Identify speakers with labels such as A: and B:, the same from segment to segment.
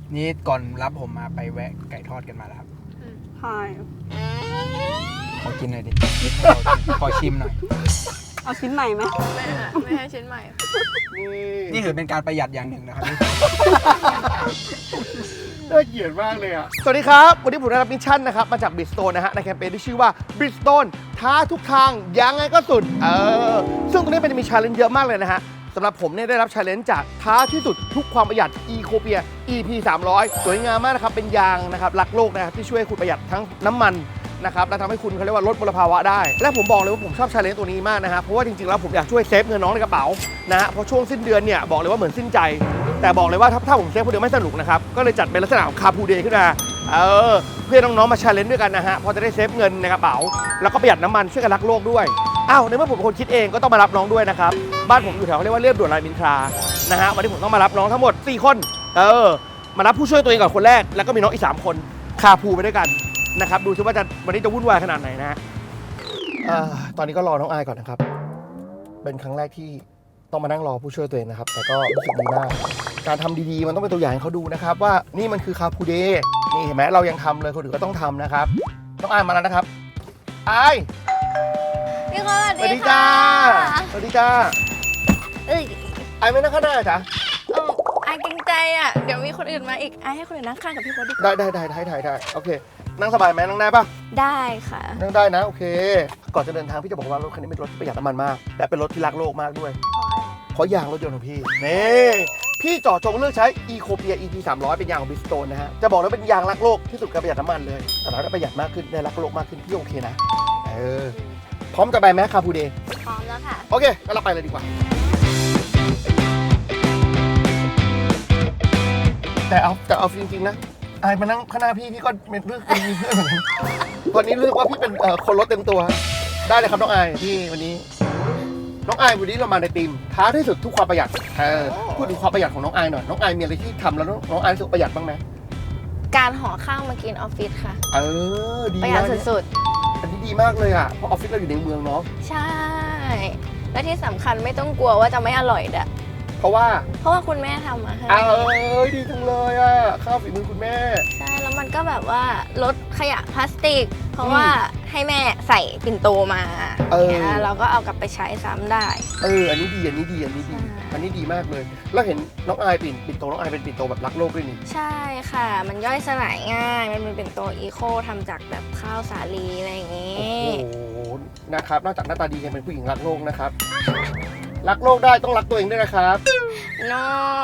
A: นี่ก่อนรับผมมาไปแวะไก่ทอดกันมาแล้วครับ
B: ใช่
A: ขอกินหน่อยดิ ขอชิมหน่อย
B: เอาชิ้นใหม่ไหม
C: ไม่ให้ชิ้นใหม่
A: นี่ถือเป็นการประหยัดอย่างหนึ่งนะครับ
D: น่าเกลียดมากเลยอ่ะ สวัสดีครับ วันนี้ผมได้รับมิชชั่นนะครับ มาจาก Bridgestone นะฮะ ในแคมเปญที่ชื่อว่า Bridgestone ท้าทุกทางยังไงก็สุด ซึ่งตรงนี้เป็นมีชาเลนจ์เยอะมากเลยนะฮะสำหรับผมเนี่ยได้รับชาเลนจ์จากท้าที่สุดทุกความประหยัด Ecopia EP 300 สวยงามมากนะครับ เป็นยางนะครับรักโลกนะครับที่ช่วยให้คุณประหยัดทั้งน้ำมันนะครับและทำให้คุณเขาเรียกว่าลดมลภาวะได้ และผมบอกเลยว่าผมชอบชาเลนจ์ตัวนี้มากนะครับเพราะว่าจริงๆแล้วผมอยากช่วยเซฟเงินน้องในกระเป๋านะฮะเพราะช่วงสิ้นเดือนเนี่ยบอกเลยว่าเหมือนสิ้นใจ แต่บอกเลยว่าถ้าผมเซฟคนเดียวไม่สนุกนะครับก็เลยจัดเป็นลักษณะของคาพูเดย์ขึ้นมาเพื่อน้องๆมาชาเลนจ์ด้วยกันนะฮะพอจะได้เซฟเงินในกระเป๋าแล้วก็ประหยัดน้ำมันช่วยกันรักโลกด้วยอ้าวในเมื่อผมเป็นคนคิดเองก็ต้องมารับน้องด้วยนะครับบ้านผมอยู่แถวเขาเรียกว่าเรียบด่วนรามอินทรานะฮะวันนี้ผมต้องมารับน้องทั้งหมด4คนมารับผู้ช่วยตัวเองก่อนคนแรกแล้วก็มีน้องอีก3คนคาพูไปด้วยกันนะครับดูซิว่าวันนี้จะวุ่นวายขนาดไหนนะฮะตอนนี้ก็รอน้องอายก่อนนะครับเป็นครั้งแรกที่ต้องมานั่งรอผู้ช่วยตัวเองนะครับแต่ก็รู้สึกดีมากการทำดีๆมันต้องเป็นตัวอย่างให้เขาดูนะครับว่านี่มันคือคาพูเดย์นี่เห็นไหมเรายังทำเลยคนอื่นก็ต้องทำนะครับน้องอายมาแล้วนะครับอาย
C: พี่คน
D: สวัสดีจ้าสวัสดีจ้า
C: เอ้ย
D: อายไม่นั่งข้างหน้าจ้ะ
C: อายเกรงใจอ่ะ เดี๋ยวมีคนอื่นมาอีกอายให้คนอื่นนั่งข้างกับพี่โค้ดดีกว่า
D: ได้โอเคนั่งสบายไหมนั่งได้ปะ
C: ได้ค่ะ
D: นั่งได้นะโอเคก่อนจะเดินทางพี่จะบอกว่ารถคันนี้เป็นรถที่ประหยัดน้ำมันมากและเป็นรถที่รักโลกมากด้วยเพราะยางรถยนต์ของพี่นี่พี่เจาะจงเลือกใช้ Ecopia EP 300 เป็นยางของ Bridgestone นะฮะจะบอกเลยเป็นยางรักโลกที่สุดการประหยัดน้ำมันเลยแต่เราได้ประหยัดมากขึ้นได้รักโลกมากขึ้นพี่โอเคนะพร้อมจะไปไหมคาพูเดย์
C: พร้อมแล้วค่ะ
D: โอเคงั้นเราไปเลยดีกว่าแต่เอาจริงๆนะอายมานั่งข้างหน้าพี่ก็เป็นเรื่องมีเพื่อนเหมือนกันวันนี้รู้สึกว่าพี่เป็นคนรถเต็มตัวได้เลยครับน้องอายพี่วันนี้น้องอายวันนี้เรามาในทีมท้าที่สุดทุกความประหยัดพูดถึงความประหยัดของน้องอายหน่อยน้องอายมีอะไรที่ทำแล้วน้องอายรู้สึกประหยัดบ้างไหม
C: การห่อข้าวมากินออฟฟิศค่ะ
D: ดี
C: ประหยัดสุด
D: อันนี้ดีมากเลยอ่ะเพราะออฟฟิศเราอยู่ในเมืองเนาะ
C: ๆ ใช่ และที่สำคัญไม่ต้องกลัวว่าจะไม่อร่อยด้วย
D: เพราะว่า
C: เพราะว่าคุณแม่ทำมาให้
D: ดีจังเลยอ่ะข้าวฝีมือคุณแม่
C: ใช่ แล้วมันก็แบบว่าลดขยะพลาสติก เพราะว่าให้แม่ใส่ปิ่นโตมาเนี่ยเราก็เอากลับไปใช้ซ้ำได้
D: อันนี้ดีอันนี้ดีมากเลยแล้วเห็นน้องอายปิ่นโตน้องอายเป็นปิ่นโตแบบรักโลกด้วยนี่
C: ใช่ค่ะ มันย่อยสลายง่าย มันเป็นปิ่นโตอีโคทำจากแบบข้าวสาลีอะไรอย่างงี้
D: โอ้โหนะครับนอกจากหน้าตาดียังเป็นผู้หญิงรักโลกนะครับรักโลกได้ต้องรักตัวเองด้วยนะครับ
C: น้อ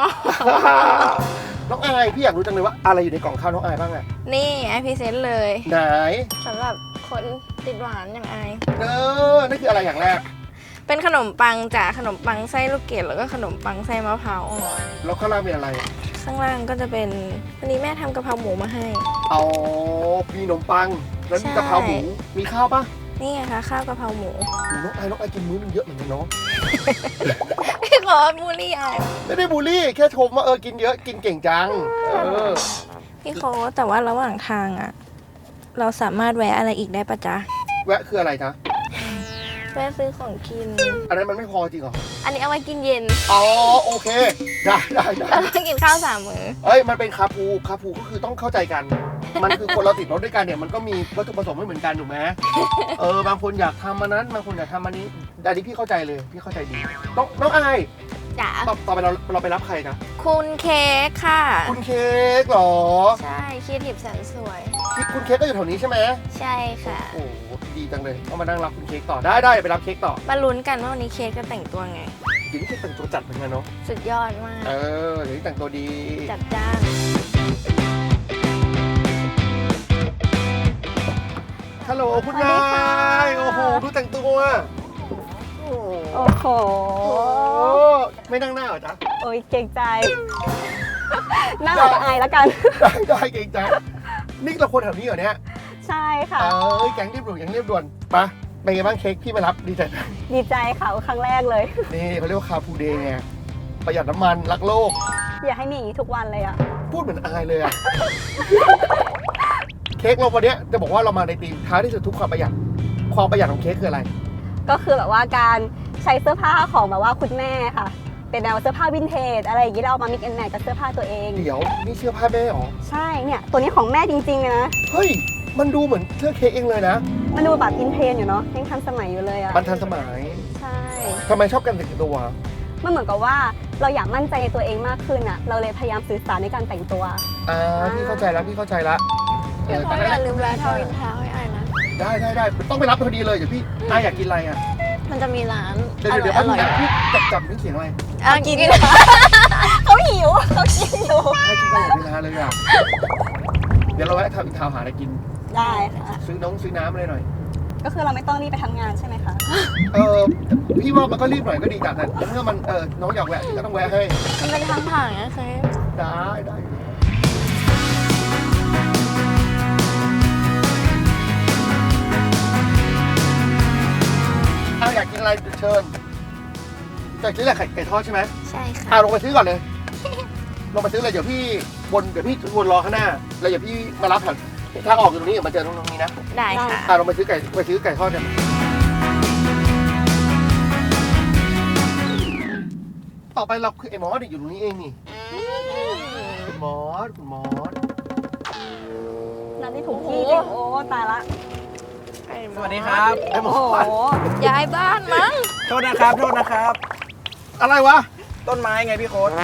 D: น้องอายพี่อยากรู้จังเลยว่าอะไรอยู่ในกล่องข้าวน้องอายบ้างอะ
C: นี่ไอพรีเซนต์เลย
D: ไหน
C: สำหรับคนติดหวานอย่างไอ
D: นั่นคืออะไรอย่างแรก
C: เป็นขนมปังจากขนมปังไส้ลูกเกดแล้วก็ขนมปังไส้มะพร้าวอ่อน
D: แล้วข้างล่างมีอะไร
C: ข้างล่างก็จะเป็นวันนี้แม่ทำกะเพราหมูมาให้
D: เอามีขนมปังแล้วมีกะเพราหมูมีข้าวปะ
C: นี่ไงคะข้าวกะเพราหมู
D: น้องอายกินมื้อนึงเยอะเหมือนกันเนาะ
C: พี่ขอบูลลี่ไอ
D: ไม่ได้บูลลี่แค่ชมว่ากินเยอะกินเก่งจัง
C: พี่โค้ดแต่ว่าระหว่างทางอะเราสามารถแวะอะไรอีกได้ปะจ๊ะ
D: แวะคืออะไรจ๊ะ
C: แวะซื้อของกิน
D: อันนั้นมันไม่พอจริงเหรอ
C: อันนี้เอาไว้กินเย็น
D: อ๋อโอเคได้
C: แล้วก็กินข้าว3 มื้อ
D: มันเป็นคาพูก็คือต้องเข้าใจกัน มันคือคนเราติดรถด้วยกันเนี่ยมันก็มีวัตถุประสงค์ไม่เหมือนกันถูกไหมบางคนอยากทำอันนั้นบางคนอยากทำอันนี้อันนี้พี่เข้าใจเลยพี่เข้าใจดีน้องอาย
C: จ๋า
D: ต่อไปเราไปรับใครนะ
C: คุณเค้กค่ะ
D: คุณเค้กเหรอ
C: ใช่ครีเอทีฟแสนสวย
D: คุณเค้กก็อยู่แถวนี้ใช่ไหม
C: ใช่ค่ะ
D: โอ้โหดีจังเลยต้องมานั่งรับคุณเค้กต่อได้ไปรับเค้กต่อ
C: มาลุ้นกันว่าวันนี้เค้กจะแต่งตัวไง
D: เดี๋ยวนี้เค้กแต่งตัวจัดเหมือนกันเนาะ
C: สุดยอดมาก
D: เดี๋ยวนี้แต่งตัวดี
C: จัดจ้าน
D: ฮัลโหลคุณนายโอ้โหดูแต่งตัวโอ้โหไม่นั่งหน้าเหรอจ๊ะ
B: โอ้ยเกรงใจ น่าอาจจะอายแล้วกัน
D: ได้เก่งใจนี่เราคนแถวนี้เหรอเนี่ย
B: ใช่ค่ะ
D: แก๊งเรียบด่วนไปเป็นไงบ้างเค้กพี่มารับดีใจไหม
B: ดีใจค่ะครั้งแรกเลย
D: นี่เขาเรียกว่าคาพูเดย์ไงประหยัดน้ำมันรักโลก
B: อยากให้มีอย่างนี้ทุกวันเลยอะ
D: พูดเหมือนอายเลยอะ เค้กเราวันนี้จะบอกว่าเรามาในทีมท้าที่สุดทุกความประหยัดของเค้กคืออะไร
B: ก็คือแบบว่าการใช้เสื้อผ้าของแบบว่าคุณแม่ค่ะ เเป็นแนวเสื้อผ้าวินเทจอะไรอย่างงี้เราเอามา mix and match กับเสื้อผ้าตัวเอง
D: เดี๋ยวนี่เสื้อผ้าแม่เหรอ
B: ใช่เนี่ยตัวนี้ของแม่จริงๆเลยนะ
D: เฮ้ยมันดูเหมือนเสื้อเค้กเองเลยนะ
B: มันดูแบบอินเทรนด์อยู่เนาะยังทันสมัยอยู่เลยอะ
D: มันทันสมัย
B: ใช่
D: ทำไมชอบกันแต่งตัว
B: มันเหมือนกับว่าเราอยากมั่นใจในตัวเองมากขึ้นอะเราเลยพยายามสื่อสารในการแต่งตัว
D: พี่เข้าใจแล้วพี่เข้าใจละ
C: เดี๋ยวพ่ออย่าลืมแวะทวินทาวน์ให้อายนะ
D: ได้ต้องไปรับพอดีเลยเดี๋ยวพี่อยากกินอะไรอ่ะ
C: มันจะมีร้าน
D: เดี๋ยว
C: อร่อย
D: พี่จับนี่เสียงอะไร
C: กิน
B: เขาหิวเขากินอยู่
D: ให้กินตลอดเวลาเลยอ่ะเดี๋ยวเราแวะทำอีกทาวหาอะไรกิน
B: ได้ค่ะ
D: ซื้อน้ำอะไรหน่อย
B: ก็คือเราไม่ต้องรีบไปทำงานใช่ไหมคะ
D: พี่ว่ามันก็รีบหน่อยก็ดีแต่เมื่อมันน้องอยากแวะก็ต้องแวะให้
C: มันเป็นทางผ่านนะเคย
D: ได้อยากกินอะไรเชิญอยากกินอะไรไก่ทอดใช่ไหม
C: ใช่ค่ะ
D: ลงไปซื้อก่อนเลย ลงไปซื้อเลยเดี๋ยวพี่วนรอข้างหน้าแล้วเดี๋ยวพี่มารับทางออกอยู่ตรงนี้เดี๋ยวมาเจอตรงนี้นะ
C: ได้ค่ะ
D: ลงไปซื้อไก่ทอดกันต่อไปเราคือไอ้มอสอยู่ตรงนี้เองนี่คุณมอส
B: นั่นนี่ถูกที่จริงโอ้ตายละ
A: สวัสดีครับ
D: ไอ้มอ
B: โอ้
D: ส
B: โห
C: ย้ายบ้านมั้ง
A: โทษนะครับ
D: อะไรวะ
A: ต้นไม้ไงพี่โค้ด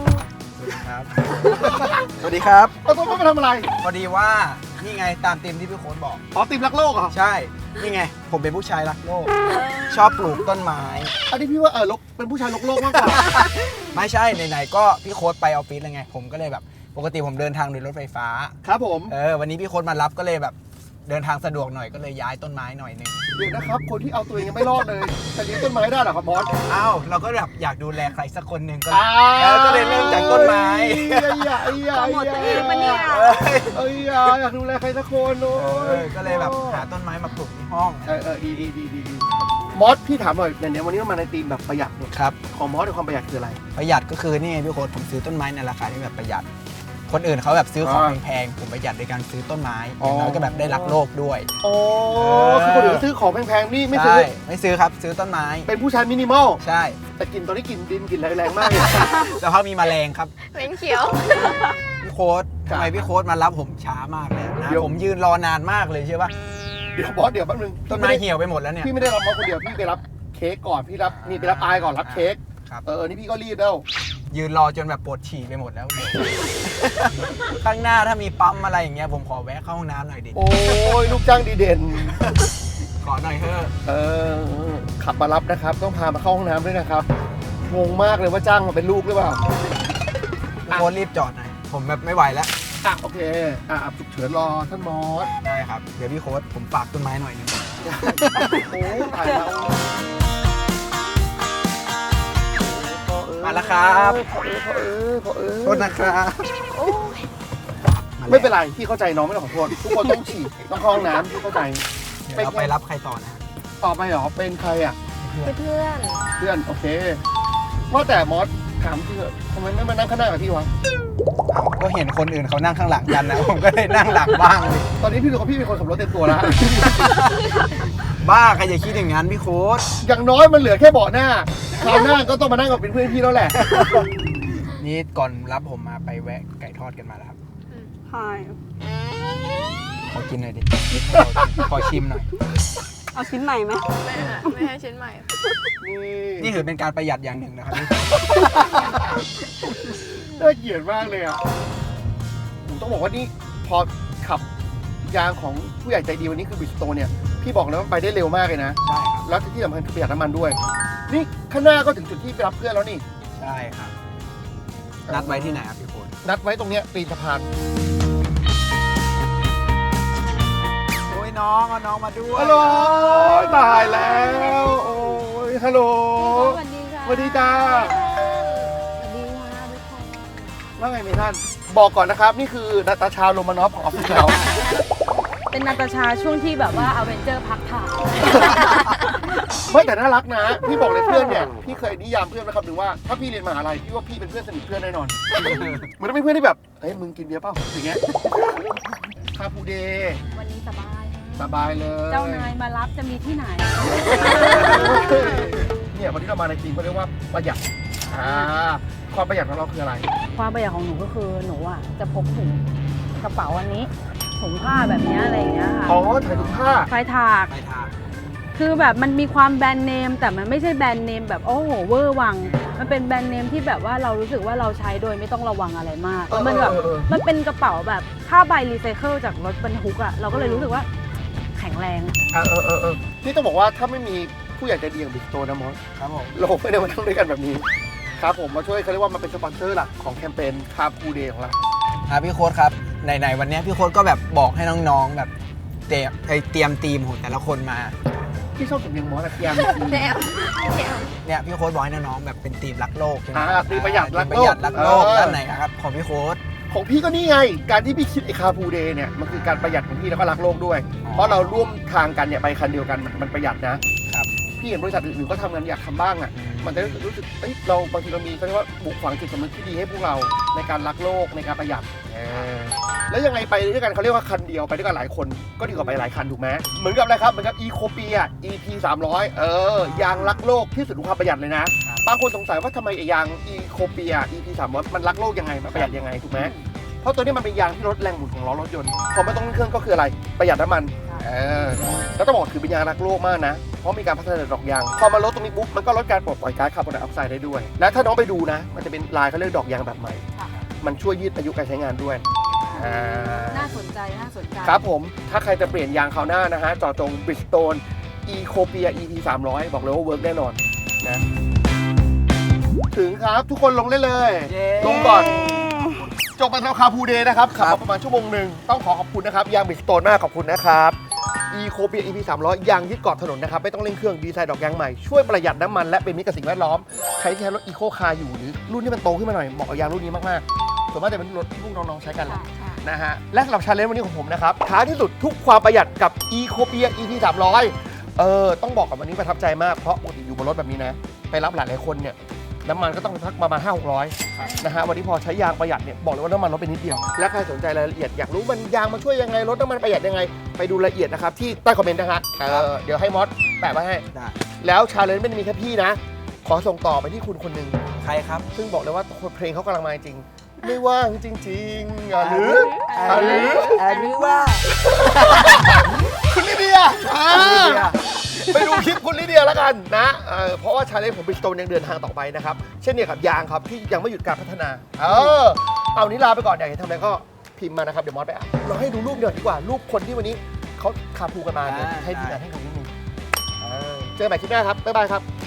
A: สวัสดีครับ
D: เราต้องไปทำอะไร
A: พอดีว่านี่ไงตามธีมที่พี่โค้ดบอก
D: ติมรักโลกเหรอ
A: ใช่ นี่ไง ผมเป็นผู้ชายรักโลก ชอบปลูกต้นไม้
D: อันนี้พี่ว่าเป็นผู้ชายโลกมากกว่า
A: ไม่ใช่ไหนๆก็พี่โค้ดไปออฟฟิศแล้วไง ผมก็เลยแบบปกติผมเดินทางโดยรถไฟฟ้า
D: ครับผม
A: วันนี้พี่โค้ดมารับก็เลยแบบเดินทางสะดวกหน่อยก็เลยย้ายต้นไม้หน่อยหนึง
D: เดี๋ยวนะครับ คนที่เอาตัวเองยังไม่รอดเลยจะเลี้ยงต้นไม้ได้เหรอครับมอส
A: อ้าวเราก็แบบอยากดูแลใครสักคนหนึ่งก็เลยเริ่มจากต้นไม้
B: หมดตัวเองปะเนี่ย
D: อยากดูแลใครสักคนโอ้ย
A: ก็เลยแบบหาต้นไม้มาปลูกที่ห้อง
D: ดีมอสพี่ถามหน่อยเนี่ยวันนี้เรามาในธีมแบบประหยัดเนี่ย
A: ครับ
D: ของมอสในความประหยัดคืออะไร
A: ประหยัดก็คือนี่ไงพี่โค้ดผมซื้อต้นไม้ในราคาที่แบบประหยัด คนอื่นเขาแบบซื้อของแพงๆผมประหยัดในการซื้อต้นไม้อย่างน้อยก็แบบได้รักโลกด้วย
D: โอ้คือคนอื่นซื้อของแพงๆนี่ไม่ซื้อ
A: ใช่ไม่ซื้อครับซื้อต้นไม้
D: เป็นผู้ชายมินิมอล
A: ใช่
D: แต่กินตอนนี้กินดินกินแรงมากเลย
A: แล้วเขามีแมลงครับ
C: เป็นเขียว
A: พี่โค้ดทำไมพี่โค้ดมารับผมช้ามากเลยนะผมยืนรอนานมากเลยใช่ปะ
D: เดี๋ยวบอสเดี๋ยวแป๊บนึง
A: ต้นไม้เหี่ยวไปหมดแล้วเนี่ย
D: พี่ไม่ได้รับมอสคนเดียวพี่ไปรับเค้กก่อนพี่รับนี่ไปรับอายก่อนรับเค้ก
A: ครับ
D: นี่พี่ก็รีบแล้ว
A: ยืนรอจนแบบปวดฉี่ไปหมดแล้ว ข้างหน้าถ้ามีปั๊มอะไรอย่างเงี้ยผมขอแวะเข้าห้องน้ำหน่อยดิ
D: โอ้ยลูกจ้างดีเด่น
A: ขอหน่อยเถอะ
D: ขับมารับนะครับ ต้องพามาเข้าห้องน้ำด้วยนะครับงงมากเลยว่าจ้างมาเป็นลูกหรือเปล่า
A: พี่โค้ดรีบจอดหน่อยผมแบบไม่ไหวแล้ว
D: โอเคฉุกเฉินรอท่านมอส
A: ได้ครับเดี๋ยวพี่โค้ดผมฝากต้นไม้หน่อยหนึง
D: โอ้ตายแล้ว
A: มาแล้วครับ
D: พอ
A: โทษนะครับ
D: ไม่เป็นไรพี่เข้าใจน้องไม่ต้องขอโทษทุกคนต้องฉี่ต้องเข้าห้องน้ำพี่เข้าใจ
A: เดี๋ยวเราไปรับใครต่อนะ
D: ต่อไปเหรอเป็นใครอ่ะ
C: เพื่อน
D: เพื่อนโอเคว่าแต่มอสถามพี่เถอะทำไมไม่มานั่งข้างหน้ากับพี่วะ
A: ก็เห็นคนอื่นเขานั่งข้างหลังกันนะ ผมก็เลยนั่งหลังบ้างเลย
D: ตอนนี้พี่รู้ว่าพี่เป็นคนขับรถเต็มตัวแล้ว
A: บ้าใครจะคิดอย่างนั้นพี่โค้ด
D: อย่างน้อยมันเหลือแค่เบาะหน้าคราวหน้าก็ต้องมานั่งกับเป็นเพื่อนพี่แล้วแหละ
A: นี่ก่อนรับผมมาไปแวะไก่ทอดกันมาแล้วครับ
B: ใช่
A: ขอกินหน่อยดิ ขอชิมหน่อย
B: เอาชิ้นใหม่ไหม
C: ไม่ให้ชิ้นใหม่
A: นี่ถือเป็นการประหยัดอย่างหนึ่งนะครับ
D: น่าเกลียดมากเลยอ่ะผมต้องบอกว่านี่พอขับยางของผู้ใหญ่ใจดีวันนี้คือบิสโตเนี่ยพี่บอกเลยว่าไปได้เร็วมากเลยนะ
A: ใช่ครับ
D: แล้วที่สำคัญคือประหยัดน้ำมันด้วย นี่ข้างหน้าก็ถึงจุดที่ไปรับเพื่อนแล้วนี่
A: ใช่ครับ นัดไว้ที่ไหนครับพี่โค้ด
D: นัดไว้ตรงเนี้ยตีนสะพาน
A: โอ้ยน้องเอาน้องมาด้วย
D: ฮัลโหลตายแล้วโอ้ยฮัลโหล
C: สวัสดีค่ะ
D: สวัสดีจ้า
C: สวัสดีค่ะทุกคน
D: ว่าไงเมท่านบอกก่อนนะครับ นี่คือนาตาชาโรมานอฟของออฟฟิศเรา
E: เป็นนาตาชาช่วงที่แบบว่าอเวนเจอร์พักถ่าย
D: ไม่แต่น่ารักนะ พี่บอกเลยเพื่อนเนี่ยพี่เคยนิยามเพื่อนนะครับหนึ่งว่าถ้าพี่เรียนมหาลัยพี่ว่าพี่เป็นเพื่อนสนิทเพื่อนแน่นอนมันต้องเป็นเพื่อนที่แบบเฮ้ยมึงกินเบียร์เปล่าอย่างเงี้ยคาปูเดย์
E: วันนี้สบาย
D: สบายเลย
E: เจ้านายมารับจะมีที่ไหน
D: เนี่ยวันนี้เรามาในทีมเขาเรียกว่าประหยัดความประหยัดของเราคืออะไร
E: ความประหยัดของหนูก็คือหนูอ่ะจะพกถุงกระเป๋าอันนี้ถุงผ้าแบบเนี้ยอะไรอย่างเงี้ยค่ะ
D: อ๋อถ่ายรูปผ้า
E: ไฟถาก
A: ไปทาง
E: คือแบบมันมีความแบรนด์เนมแต่มันไม่ใช่แบรนด์เนมแบบโอ้โหเวอร์วัง มันเป็นแบรนด์เนมที่แบบว่าเรารู้สึกว่าเราใช้โดยไม่ต้องระวังอะไรมากแล้วมันแบบมันเป็นกระเป๋าแบบผ้าใบรีไซเคิลจากรถบรรทุกอ่ะเราก็เลยรู้สึกว่าแข็งแรง
D: นี่ต้องบอกว่าถ้าไม่มีผู้ใหญ่ใจดีอย่างบิ๊กโตนะมอส
A: ครับผม
D: เราไม่ได้มาทำด้วยกันแบบนี้ครับผมมาช่วยเขาเรียกว่ามาเป็นสปอนเซอร์หลักของแคมเปญคาพูเดย์ของเรา
A: พี่โค้ดครับไหนๆวันนี้พี่โค้ดก็แบบบอกให้น้องๆแบบเตรียมทีมของแต่ละคนมา
D: ที่ชอบสำเนียงมอสอะเทียม
C: แนว
A: เนี่ยพี่โค้ดบอกให้น้องๆแบบเป็นทีมรักโลกใช่ไหม
D: ทีมประหยัดรัก
A: ป
D: โล
A: ระห
D: ก
A: ยัดรักโลกด้านไหนครับของพี่โค้ด
D: ของพี่ก็นี่ไง การที่พี่คิดไอ้คาพูเดย์เนี่ยมันคือการประหยัดของพี่แล้วก็รักโลกด้วย เพราะเราร่วมทางกันเนี่ยไปคันเดียวกันมันประหยัดนะครับ พี่เห็นบริษัทอื่นๆก็ทำงานอยากทำบ้างอ่ะมันจะรู้สึกเราบางทีเรามีเขาเรียกว่าบุกฝังจิตสำนึกที่ดีให้พวกเราในการรักโลกในการประหยัดแล้วยังไงไปด้วยกันเขาเรียกว่าคันเดียวไปด้วยกันหลายคนก็ดีกว่าไปหลายคันถูกไหมเหมือนกับอะไรครับเหมือนกับ Ecopia EP 300ยางรักโลกที่สุดของความประหยัดเลยนะบางคนสงสัยว่าทำไมไอ้ยาง Ecopia EP 300มันรักโลกยังไงมันประหยัดยังไงถูกไหมเพราะตัวนี้มันเป็นยางที่ลดแรงหมุนของล้อรถยนต์พอไม่ต้องเครื่องก็คืออะไรประหยัดน้ำมันแล้วต้องบอกถือเป็นยางรักโลกมากนะเพราะมีการพัฒนาดอกยางพอมาลดตรงนี้ปุ๊บมันก็ลดการปลดปล่อยก๊าซคาร์บอนไดออกไซด์ได้ด้วยและถ้าน้องไปดูนะมันจะเป็นลายเขาเรียกดอกยางแบบใหม่มันช่วยยืดอายุการใช้งานด้วย
E: น่าสนใจน่าสนใจ
D: ครับผมถ้าใครจะเปลี่ยนยางคราวหน้านะฮะจอจง Bridgestone Ecopia EP 300บอกเลยว่าเวิร์กแน่นอนนะถึงครับทุกคนลงได้เลย ลงก่อน จบมาแล้วคาพูเดย์นะครับขับมาประมาณชั่วโมงหนึ่งต้องขอบคุณนะครับยาง Bridgestone มากขอบคุณนะครับ Ecopia EP 300ยางยึดเกาะถนนนะครับไม่ต้องเร่งเครื่องดีไซน์ดอกยางใหม่ช่วยประหยัดน้ำมันและเป็นมิตรกับสิ่งแวดล้อมใครที่ใช้รถ Eco Car อยู่หรือรุ่นที่มันโตขึ้นมาหน่อยเหมาะกับยางรุ่นนี้มากๆส่วนมากจะเป็นรถที่พวกน้องๆใช้กันแหละนะฮะและสำหรับชาเลนจ์วันนี้ของผมนะครับท้ายที่สุดทุกความประหยัดกับ Ecopia EP 300ต้องบอกกับวันนี้ประทับใจมากเพราะปกติอยู่บนรถแบบนี้นะไปรับหลายคนเนี่ยน้ำมันก็ต้องสักประมาณ 500-600 นะฮะวันนี้พอใช้ยางประหยัดเนี่ยบอกเลยว่าน้ำมันลดไปนิดเดียวและใครสนใจรายละเอียดอยากรู้มันยางมาช่วยยังไงลดน้ำมันประหยัดยังไงไปดูรายละเอียดนะครับที่ใต้คอมเมนต์นะฮะเดี๋ยวให้มอสแปะไว้ให้
A: ได้
D: แล้วชาเลนจ์ไม่ได้มีแค่พี่นะขอส่งต่อไปที่คุณคนหนึ่ง
A: ใครครับ
D: ซึ่งบอกเลยว่าเพลงเขากำลังมาจริงไม่ว่างจริงๆหรือ
A: ว่า
D: คุณลิเดียไปดูคลิปคุณลิเดียแล้วกันนะเพราะว่าชาเลนจ์ของ Bridgestone ยังเดินทางต่อไปนะครับเช่นเดียวกับยางครับที่ยังไม่หยุดการพัฒนาเอานี้ลาไปก่อนอยากเห็นทำอะไรก็พิมพ์มานะครับเดี๋ยวมอสไปอ่านเราให้ดูรูปเดียวดีกว่ารูปคนที่วันนี้เขาคาพูกันมาเนี่ยให้ดูกันให้ดูนิดนึงเจอกันใหม่คลิปหน้าครับบ๊ายบายครับ